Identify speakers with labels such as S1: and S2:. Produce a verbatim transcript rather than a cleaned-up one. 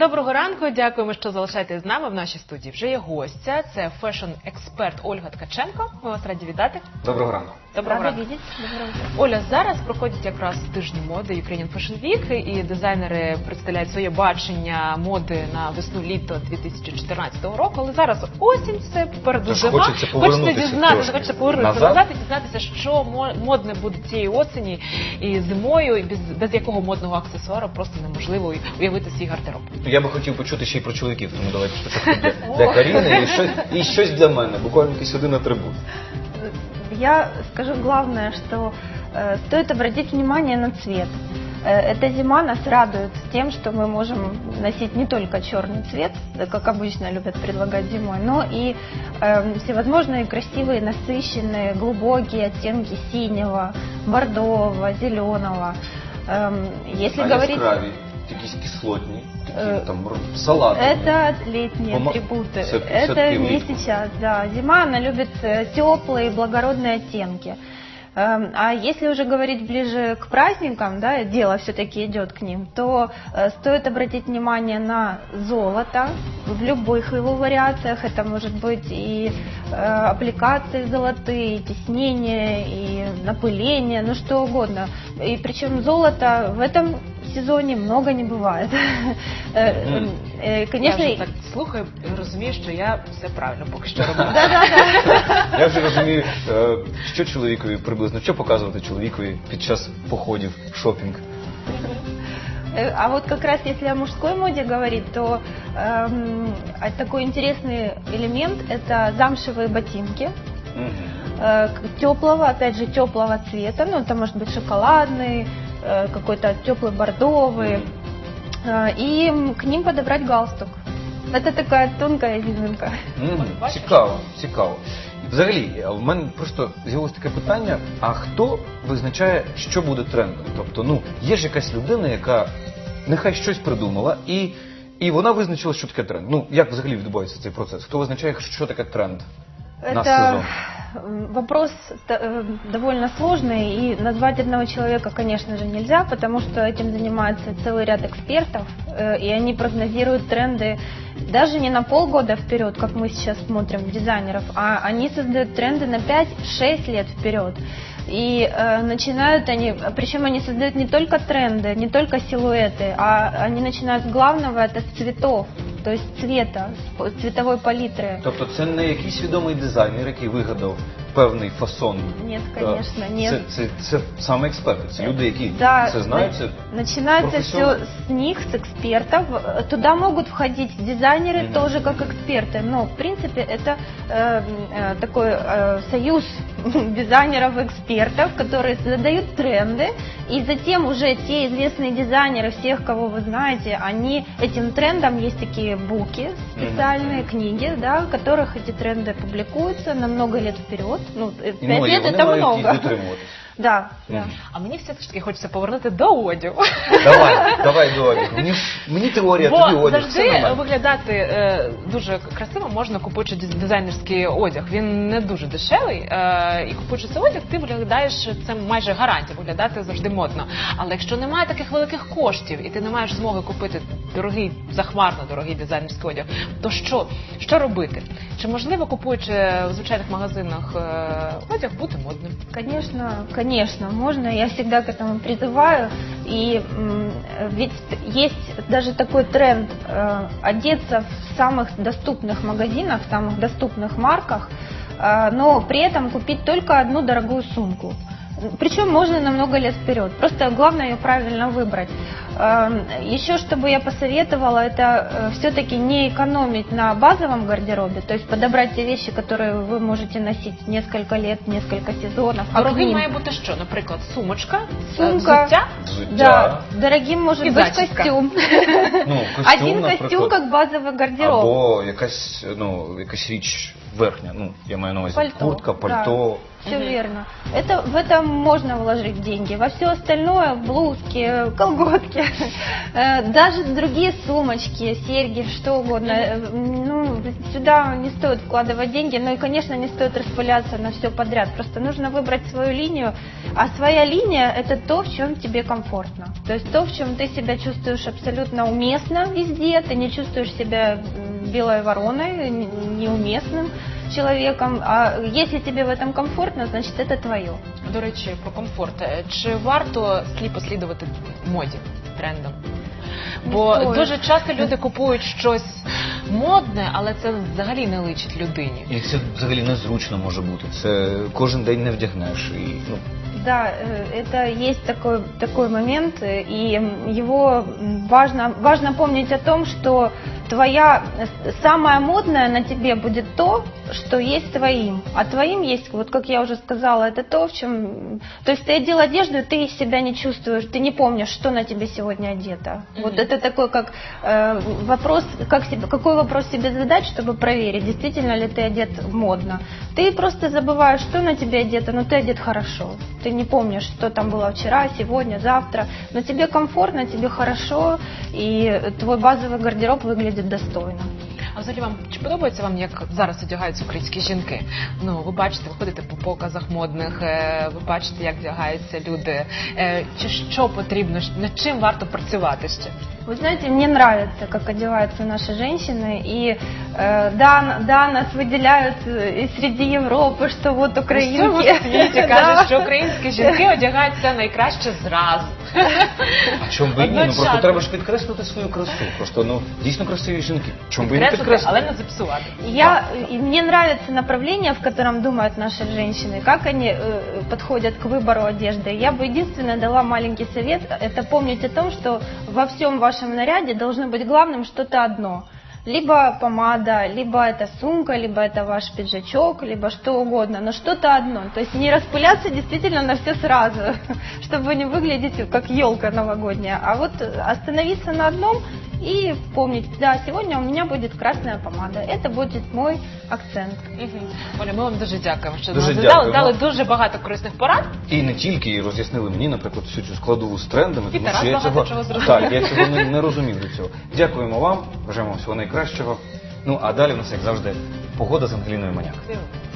S1: Доброго ранку, дякуємо, що залишаєтесь з нами. В нашій студії вже є гостя, це фешн-експерт Ольга Ткаченко. Ми вас раді вітати.
S2: Доброго ранку.
S1: Доброго ранку. Оля, зараз проходять якраз тижні моди Ukrainian Fashion Week, і дизайнери представляють своє бачення моди на весну-літо дві тисячі чотирнадцятого року, але зараз осінь, все попереду зима.
S2: Хочеться повернутися
S1: дізнатися, хочеться повернутися
S2: назад.
S1: назад і дізнатися, що модне буде цієї осені і зимою, і без, без якого модного аксесуару просто неможливо уявити свій гардероб.
S2: Я би хотів почути ще й про чоловіків, тому давайте спочатку для, для Каріни і щось, і щось для мене, буквально якийсь один атрибут.
S3: Я скажу главное, что э, стоит обратить внимание на цвет. Э, эта зима нас радует тем, что мы можем носить не только черный цвет, как обычно любят предлагать зимой, но и э, всевозможные красивые, насыщенные, глубокие оттенки синего, бордового, зеленого. Э, если
S2: а
S3: говорить...
S2: яскраві, якісь кислотні, такі
S3: Э,
S2: там салати.
S3: Это летние
S2: Пома-
S3: атрибуты.
S2: Все-
S3: Это
S2: все-таки
S3: не
S2: влитку.
S3: сейчас, да. Зима, она любит э, теплые, благородные оттенки. Эм, А если уже говорить ближе к праздникам, да, дело все-таки идет к ним, то э, стоит обратить внимание на золото в любых его вариациях. Это может быть и э, аппликации золотые, и тиснение, и напыление, ну что угодно. И причем золото в этом сезоне много не бывает. Э,
S2: Мгм.
S3: э, Конечно,
S1: Я вже так слухаю і розумію, що я все правильно поки що роблю.
S3: да-да-да.
S2: Я вже розумію, е, що чоловікові приблизно, що показувати чоловікові під час походів, шопінг.
S3: Э, А вот как раз если о мужской моде говорить, то эм, а такой интересный элемент – это замшевые ботинки
S2: Мгм.
S3: э, к- теплого, опять же, теплого цвета. Ну, это может быть шоколадный, э, какой-то теплый бордовый. Э, И м, к ним подобрать галстук. Это такая тонкая изюминка.
S2: Мгм.
S1: Бачиш?
S2: Цікаво, цікаво. І взагалі, в мене просто з'явилось таке питання, а хто визначає, що буде трендом? Тобто, ну, є ж якась людина, яка нехай щось придумала, і, і вона визначила, що таке тренд. Ну, як взагалі відбувається цей процес? Хто визначає, що таке тренд на
S3: Это
S2: сезон?
S3: м, вопрос т- э, довольно сложный, и назвать одного человека, конечно же, нельзя, потому что этим занимается целый ряд экспертов, э, и они прогнозируют тренды даже не на полгода вперед, как мы сейчас смотрим дизайнеров, а они создают тренды на пять-шесть лет вперед. И э, начинают они, причем они создают не только тренды, не только силуэты, а они начинают с главного, это с цветов, то есть цвета, с цветовой палитры.
S2: Тобто це не якийсь відомий дизайнер, який вигадав певний фасон.
S3: Нет,
S2: Е,
S3: конечно, нет.
S2: Це, це, це саме експерти, це люди, які
S3: Да,
S2: це знають. Це
S3: на- начинается все
S2: профессионалы.
S3: с них, с экспертов. Э, Туда могут входить дизайнеры
S2: Мгм.
S3: тоже как эксперты. Но, в принципе, это э, э, такой э, союз дизайнеров-экспертов, которые задают тренды. И затем уже те известные дизайнеры, всех, кого вы знаете, они этим трендам, есть такие буки, специальные книги, да, в которых эти тренды публикуются на много лет вперед. Ну, э,
S2: І
S3: пять
S2: ну, і
S3: лет
S2: вони
S3: это
S2: мають
S3: много.
S2: їх дотримуватись.
S3: Да, да.
S2: Мгм.
S1: А мені все ж таки хочеться повернути до одягу.
S2: Давай, давай до одягу. Мені, мені теорія,
S1: Бо
S2: тобі одяг. Все
S1: завжди
S2: нормально.
S1: виглядати е, дуже красиво можна, купуючи диз- дизайнерський одяг. Він не дуже дешевий. Е, і купуючи цей одяг, ти виглядаєш, це майже гарантія, виглядати завжди модно. Але якщо немає таких великих коштів і ти не маєш змоги купити дорогий, захмарно дорогий дизайнерський одяг, то що? Що робити? Чи можливо, купуючи в звичайних магазинах е, одяг, бути модним?
S3: Конечно, конечно, можно. Я всегда к этому призываю. И м, ведь есть даже такой тренд э, одеться в самых доступных магазинах, в самых доступных марках, э, но при этом купить только одну дорогую сумку. Причем можно на много лет вперед. Просто главное ее правильно выбрать. Эм, Еще что бы я посоветовала, это все-таки не экономить на базовом гардеробе, то есть подобрать те вещи, которые вы можете носить несколько лет, несколько сезонов. А к
S1: Дорогим
S3: ним-
S1: має бути що? Наприклад, сумочка, е,
S3: Сумка.
S1: взуття?
S2: Взуття.
S3: Да, дорогим может
S1: И
S3: быть
S1: заческа.
S3: костюм.
S2: Ну, костюм,
S3: Один
S2: наприклад.
S3: костюм как базовый гардероб.
S2: Або якась, ну, якась річ верхня. Ну, я маю на увазі
S3: Пальто,
S2: куртка, пальто.
S3: все
S1: Мгм.
S3: верно. Это, в это можно вложить деньги. Во все остальное, блузки, колготки, э, даже другие сумочки, серьги, что угодно. Э, Ну, сюда не стоит вкладывать деньги, но и, конечно, не стоит распыляться на все подряд. Просто нужно выбрать свою линию, а своя линия – это то, в чем тебе комфортно. То есть то, в чем ты себя чувствуешь абсолютно уместно везде, ты не чувствуешь себя м, белой вороной, н- неуместным человеком. А если тебе в этом комфортно, значит, это твое.
S1: До речі, про комфорт. Е, Чи варто сліпо слідувати моді, трендам? Бо
S3: стоїть.
S1: дуже часто люди купують щось модне, але це взагалі не личить людині.
S2: І це взагалі незручно може бути. Це кожен день не вдягнеш. І, ну,
S3: Да, э, это есть такой, такой момент, э, и м, его м, важно, важно помнить о том, что твоя э, самое модное на тебе будет то, что есть твоим. А твоим есть, вот как я уже сказала, это то, в чем... То есть ты одел одежду, и ты себя не чувствуешь, ты не помнишь, что на тебе сегодня одето. Вот
S1: Мгм.
S3: это такой как э, вопрос, как себе, какой вопрос себе задать, чтобы проверить, действительно ли ты одет модно. Ты просто забываешь, что на тебе одето, но ты одет хорошо. Ты не помнишь, что там было вчера, сегодня, завтра, но тебе комфортно, тебе хорошо, и твой базовый гардероб выглядит достойно.
S1: А взагалі вам чи подобається вам, як зараз одягаються українські жінки? Ну, ви бачите, ви ходите по показах модних, е, ви бачите, як вдягаються люди. Е, Чи що потрібно, щ- над чим варто працювати ще?
S3: Вы знаете, мне нравится, как одеваются наши женщины, и э, да, да, нас выделяют э, и среди Европы, что вот
S1: У всьому
S3: украинки.
S1: світі
S3: Да.
S1: кажуть, що українські жінки одягаються найкраще зразу.
S2: а чому би і ні? Ну просто
S1: Одночасно.
S2: треба ж підкреслити свою красу. Просто ну дійсно красиві жінки. Чому би і не
S1: Підкреслити, але
S2: підкреслити?
S1: не зіпсувати.
S3: Я, и мне нравится направление, в котором думают наши женщины, как они э, подходят к выбору одежды. Я бы единственное дала маленький совет, это помнить о том, что во всем вашем наряде должно быть главным что-то одно. Либо помада, либо это сумка, либо это ваш пиджачок, либо что угодно, но что-то одно. То есть не распыляться действительно на все сразу, чтобы не выглядеть как елка новогодняя, а вот остановиться на одном и помнить, да, сегодня у меня будет красная помада, это будет мой акцент.
S1: Мгм. Оля, ми вам дуже дякуємо, що
S2: Дуже
S1: нам дали,
S2: дякуємо.
S1: дали дуже багато корисних порад.
S2: І не тільки, і роз'яснили мені, наприклад, всю цю складову з трендами,
S1: І
S2: тому
S1: Тарас
S2: що я
S1: багато
S2: цього,
S1: чого зрозумів.
S2: так, я цього не, не розумів до цього. Дякуємо вам, бажаємо всього найкращого. Ну а далі у нас, як завжди, погода з Ангеліною Маняк.
S1: Дякую.